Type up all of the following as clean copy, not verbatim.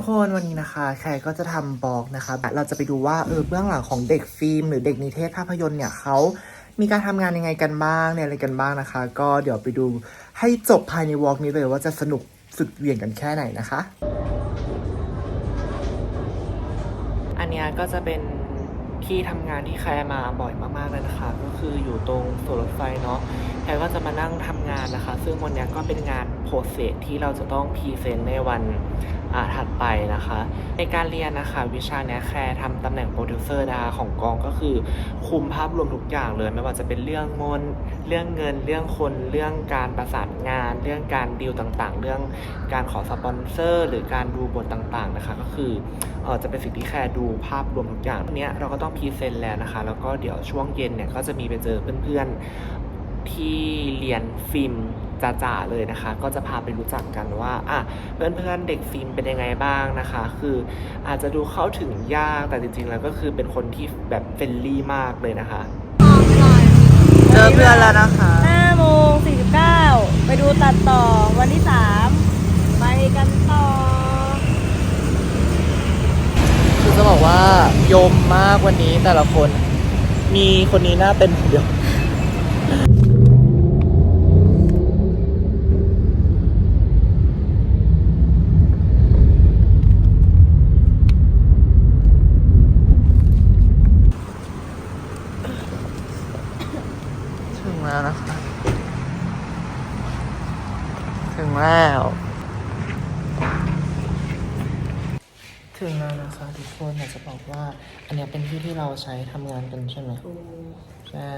คนวันนี้นะคะแขกก็จะทำบล็อกนะคะเราจะไปดูว่าเบื้องหลังของเด็กฟิล์มหรือเด็กนิเทศภาพยนตร์เนี่ยเขามีการทำงานยังไงกันบ้างเนี่ยอะไรกันบ้างนะคะก็เดี๋ยวไปดูให้จบภายในวอล์กนี้เลยว่าจะสนุกสุดเหวี่ยงกันแค่ไหนนะคะอันนี้ก็จะเป็นที่ทำงานที่แคร์มาบ่อยมากๆเลยนะคะก็คืออยู่ตรงสวนรถไฟเนาะแคร์ก็จะมานั่งทำงานนะคะซึ่งวันนี้ก็เป็นงานโปรเซสที่เราจะต้องพรีเซนต์ในวันถัดไปนะคะในการเรียนนะคะวิชาเนี้ยแคร์ทำตำแหน่งโปรดิวเซอร์นะคะของกองก็คือคุมภาพรวมทุกอย่างเลยไม่ว่าจะเป็นเรื่องเรื่องเงินเรื่องคนเรื่องการประสานงานเรื่องการดีลต่างๆเรื่องการขอสปอนเซอร์หรือการดูบทต่างๆนะคะก็คือจะเป็นสิ่งที่แคร์ดูภาพรวมทุกอย่างเนี้ยเราก็ต้องพรีเซนต์แล้วนะคะแล้วก็เดี๋ยวช่วงเย็นเนี่ยก็จะมีไปเจอเพื่อนๆที่เรียนฟิล์มจ๋าๆเลยนะคะก็จะพาไปรู้จักกันว่าเพื่อนๆเด็กฟิล์มเป็นยังไงบ้างนะคะคืออาจจะดูเข้าถึงยากแต่จริงๆแล้วก็คือเป็นคนที่แบบเฟรนลี่มากเลยนะคะเจอเพื่อนแล้วนะคะ 5:49ไปดูตัดต่อวันที่3ไปกันต่อคือจะบอกว่ายมมากวันนี้แต่ละคนมีคนนี้หน้าเป็นคนเดียวถึงแล้วนะคะถึงแล้วนะคะทุกคนอยากจะบอกว่าอันนี้เป็นที่ที่เราใช้ทำงานกันใช่ไหมใช่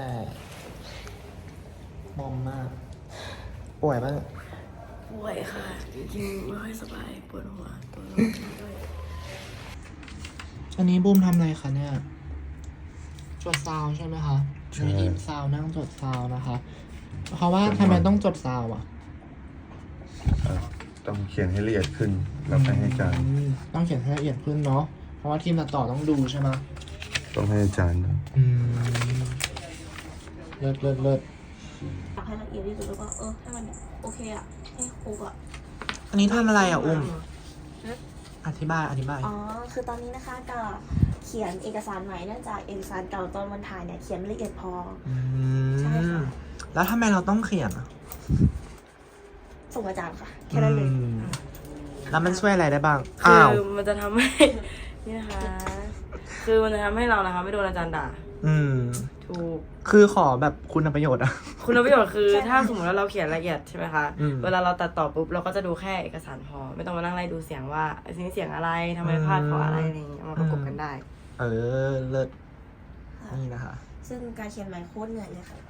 มอมมากป่วยป่ะป่วยค่ะจริงๆไม่ค่อยสบายปวดหัวตัวร้อนด้วยอันนี้บูมทำอะไรคะเนี่ยจดซาวใช่ไหมคะมีอิมซาวนั่งจดซาวนะคะเพราะว่าทำไมต้องจดซาวต้องเขียนให้ละเอียดขึ้นแล้วไปให้อาจารย์ต้องเขียนให้ละเอียดขึ้นเนาะเพราะว่าทีมตัดต่อต้องดูใช่ไหมต้องให้อาจารย์เลิศอยากให้ละเอียดที่สุดแล้วก็ให้มันโอเคให้ครบอันนี้ทำอะไรอุ้มอธิบายคือตอนนี้นะคะก็เขียนเอกสารใหม่เนื่องจากเอกสารเก่าตอนวันถ่ายเนี่ยเขียนไม่ละเอียดพอใช่ค่ะแล้วทำไมเราต้องเขียนส่งอาจารย์ค่ะแค่นั้นเลยแล้วมันช่วยอะไรได้บ้างคือมันจะทำให้นี่นะคะคือมันจะทำให้เรานะคะไม่โดนอาจารย์ด่าถูกคือขอแบบคุณประโยชน์คุณประโยชน์คือถ้าสมมติว่าเราเขียนละเอียดใช่ไหมคะเวลาเราตัดต่อปุ๊บเราก็จะดูแค่เอกสารพอไม่ต้องมานั่งไล่ดูเสียงว่านี้เสียงอะไรทำไมพลาดเพราะอะไรอะไรอย่างเงี้ยมาประกบกันได้เลิศนี่นะคะซึ่งการเขียนใหม่โคตรเหนื่อยเลยค่ะ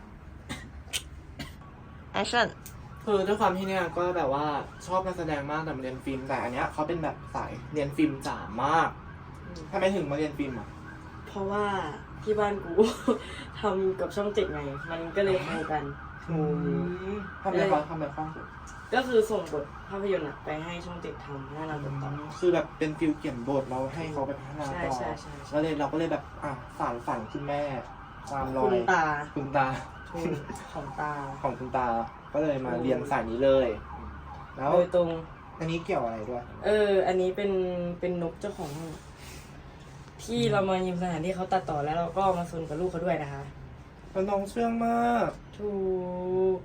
action คือด้วยความที่เนี่ยก็แบบว่าชอบการแสดงมากแต่มาเรียนฟิล์มแต่อันเนี้ยเขาเป็นแบบสายเรียนฟิล์มจ๋ามากทำไมถึงมาเรียนฟิล์มเพราะว่าที่บ้านกู ทำกับช่อง7ไงมันก็เลยเข้ากันทำอะไรบ้างก็คือส่งบทภาพยนตร์ไปให้ช่อง7ทำให้เราตัดต่อคือแบบเป็นฟิลเขียนบทเราให้เขาไปพัฒนาต่อใช่แล้วเลยเราก็เลยแบบฝันคุณแม่ตามรอยคุณตาของตาของคุณตาก็เลยมาเรียนสายนี้เลยแล้วโดยตรงอันนี้เกี่ยวอะไรด้วยอันนี้เป็นนกเจ้าของที่เรามายืมสถานที่เขาตัดต่อแล้วเราก็มาซนกับลูกเขาด้วยนะคะน้องเชื่องมากถูก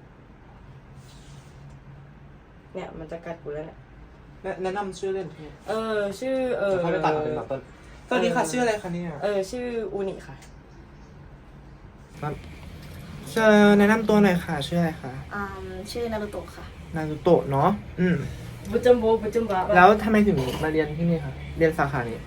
เนี่ยมันจะกัดกูแล้วเนี่ยแนะนำชื่อเล่นชื่อเขาไปตัดเป็นแบบต้นสวัสดีค่ะชื่ออะไรคะเนี่ยชื่ออูนิค่ะเชิญแนะนำตัวหน่อยค่ะชื่ออะไรคะชื่อนารุโตะค่ะนารุโตะเนาะบุจัมโบแล้วทำไมถึงมาเรียนที่นี่คะเรียนสาขานี้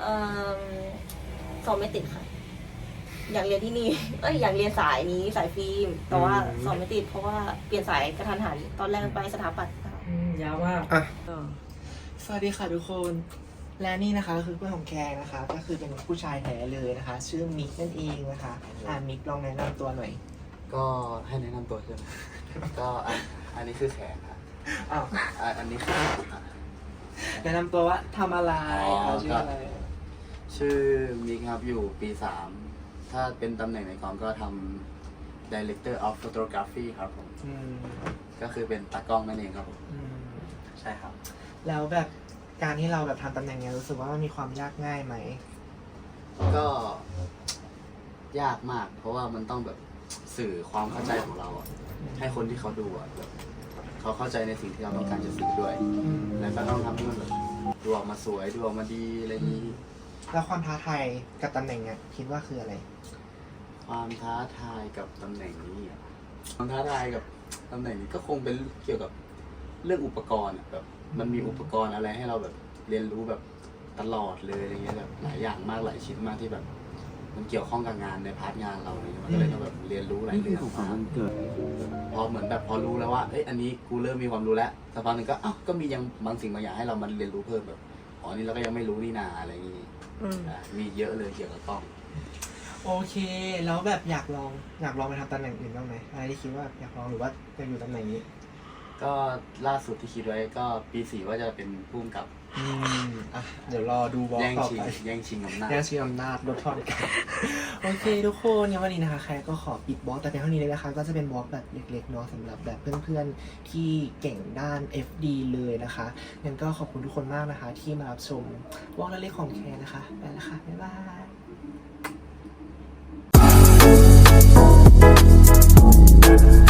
สอบไม่ติดค่ะอยากเรียนที่นี่อยากเรียนสายนี้สายฟิล์มแต่ว่าสอบไม่ติดเพราะว่าเปลี่ยนสายกระทันหันตอนแรกไปสถาปัตย์ยาวมากสวัสดีค่ะทุกคนและนี่นะคะก็คือเพื่อนของแคร์นะคะก็คือเป็นผู้ชายแท้เลยนะคะชื่อมิกนั่นเองนะคะมิกลองแนะนำตัวหน่อยก็ให้แนะนำตัวใช่ไหมก็อันนี้คือแขกครับอันนี้คือแนะนำตัวว่าทำอะไรชื่ออะไรชื่อมิกครับอยู่ปี3ถ้าเป็นตำแหน่งในกองก็ทำ Director of Photography ครับผมก็คือเป็นตากล้องนั่นเองครับผมใช่ครับแล้วแบบการที่เราแบบทำตำแหน่งเนี้ยรู้สึกว่ามันมีความยากง่ายไหมก็ยากมาก เพราะว่ามันต้องแบบสื่อความเข้าใจของเราอะให้คนที่เขาดูอะแบบเขาเข้าใจในสิ่งที่เราต้องการจะสื่อด้วย แล้วก็ต้องทำให้มันแบบดูออกมาสวยดูออกมาดีอะไรอย่างนี้แล้วความท้าทายกับตำแหน่งเนี้ยคิดว่าคืออะไรความท้าทายกับตำแหน่งนี้อะความท้าทายกับตำแหน่งนี้ก็คงเป็นเกี่ยวกับเรื่องอุปกรณ์อะแบบมันมีอุปกรณ์อะไรให้เราแบบเรียนรู้แบบตลอดเลยอะไรเงี้ยแบบหลายอย่างมากหลายชิ้นมากที่แบบ มันเกี่ยวข้องกับงานในพาร์ทงานเราอะไรเลยมันก็เลยต้องแบบเรียนรู้หลายเรื่องมากพอเหมือนแบบพอรู้แล้วว่าเอ้ยอันนี้กูเริ่มมีความรู้แล้วสักพักหนึ่งก็อ้าวก็มียังบางสิ่งบางอย่างให้เรามันเรียนรู้เพิ่มแบบอ๋อนี่เราก็ยังไม่รู้นี่นาอะไรอย่างงี้มีเยอะเลยเกี่ยวกับกล้องโอเค แล้วแบบอยากลองไปทำตำแหน่งอื่นบ้างไหมอะไรที่คิดว่าอยากลองหรือว่าอยากอยู่ตำแหน่งนี้ก็ล่าสุดที่คิดไว้ก็ปี 4ว่าจะเป็นผู้กำกับอ่ะเดี๋ยวรอดูวอล์กแย่งต่อชิงไปแย่งชิงอำนาจแย่งชิงอำนาจลดทอนกัน โอเคทุกคนงั้นวันนี้นะคะแคร์ก็ขอปิดบล็อกแต่เพียงเท่านี้เลยนะคะ ก็จะเป็นบล็อกแบบเล็กๆเนาะสำหรับแบบเพื่อนๆที่เก่งด้าน FD เลยนะคะงั้นก็ขอบคุณทุกคนมากนะคะ ที่มารับชมบล็อกเล็กๆของแคร์นะคะไปแล้วค่ะบ๊ายบาย